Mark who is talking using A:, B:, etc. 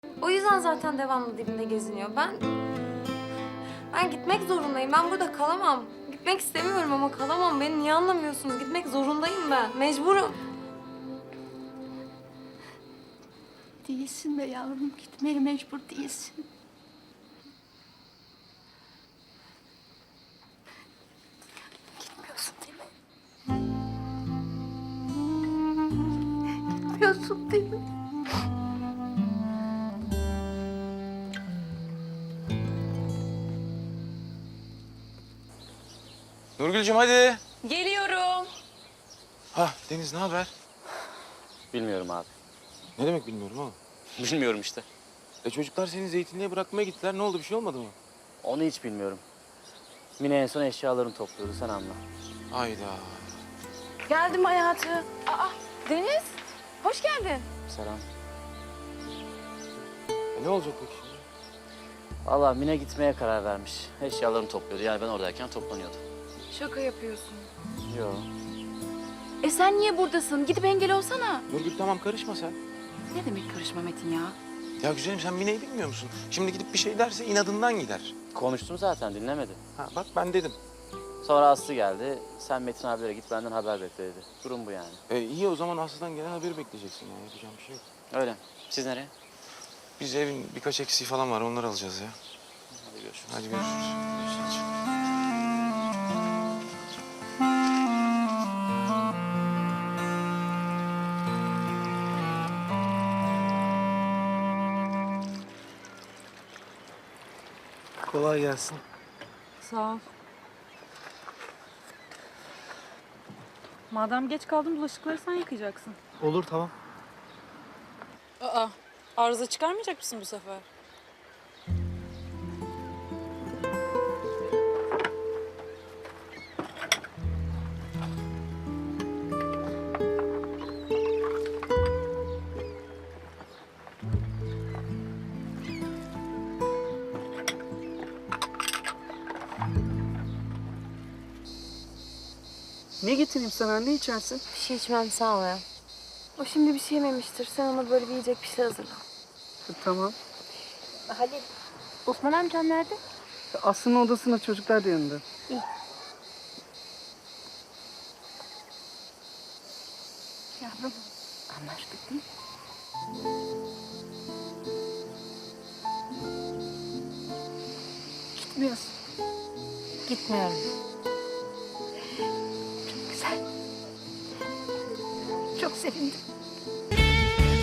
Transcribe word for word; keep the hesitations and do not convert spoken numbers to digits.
A: O yüzden zaten devamlı dibinde geziniyor. Ben... Ben gitmek zorundayım. Ben burada kalamam. Gitmek istemiyorum ama kalamam. Beni niye anlamıyorsunuz? Gitmek zorundayım ben. Mecburum.
B: Değilsin be yavrum. Gitmeye mecbur değilsin. Gitmiyorsun değil mi? Gitmiyorsun değil mi?
C: Nurgül'cüm hadi.
D: Geliyorum.
C: Ha Deniz ne haber?
E: Bilmiyorum abi.
C: Ne demek bilmiyorum oğlum.
E: Bilmiyorum işte.
C: E çocuklar seni zeytinliğe bırakmaya gittiler. Ne oldu, bir şey olmadı mı?
E: Onu hiç bilmiyorum. Mine en son eşyalarını topluyordu, sen anla.
C: Hayda.
D: Geldim hayatım. Aa, Deniz. Hoş geldin.
E: Selam.
C: E ne olacak peki şimdi?
E: Vallahi Mine gitmeye karar vermiş. Eşyalarını topluyordu. Yani ben oradayken toplanıyordu.
D: Şaka yapıyorsun.
E: Yo.
D: E sen niye buradasın? Gidip engel olsana.
C: Nurgül tamam karışma sen.
D: Ne demek karışma Metin ya?
C: Ya güzelim sen Mine'yi bilmiyor musun? Şimdi gidip bir şey derse inadından gider.
E: Konuştum zaten, dinlemedi.
C: Ha bak ben dedim.
E: Sonra Aslı geldi. Sen Metin abilere git, benden haber bekle dedi. Durum bu yani.
C: E iyi o zaman Aslı'dan gelen haberi bekleyeceksin ya. Yapacağım bir şey yok.
E: Öyle. Siz nereye?
C: Biz evin birkaç eksiği falan var, onları alacağız ya.
E: Hadi görüşürüz.
C: Hadi görüşürüz. Görüşürüz.
F: Kolay gelsin.
G: Sağ ol. Madem geç kaldın bulaşıkları sen yıkayacaksın.
F: Olur, tamam.
G: Aa, arıza çıkarmayacak mısın bu sefer?
F: Ne getireyim sana? Ne içersin?
A: Bir şey içmem sağ ol ya. O şimdi bir şey yememiştir. Sen ona böyle bir yiyecek bir şey hazırla.
F: Tamam.
A: Halil, Osman amcam nerede?
F: Aslı'nın odasında, çocuklar da yanında.
B: Yavrum, anlaştık değil mi? Gitmiyorsun.
A: Gitmiyorum.
B: Çok güzel. Çok sevindim.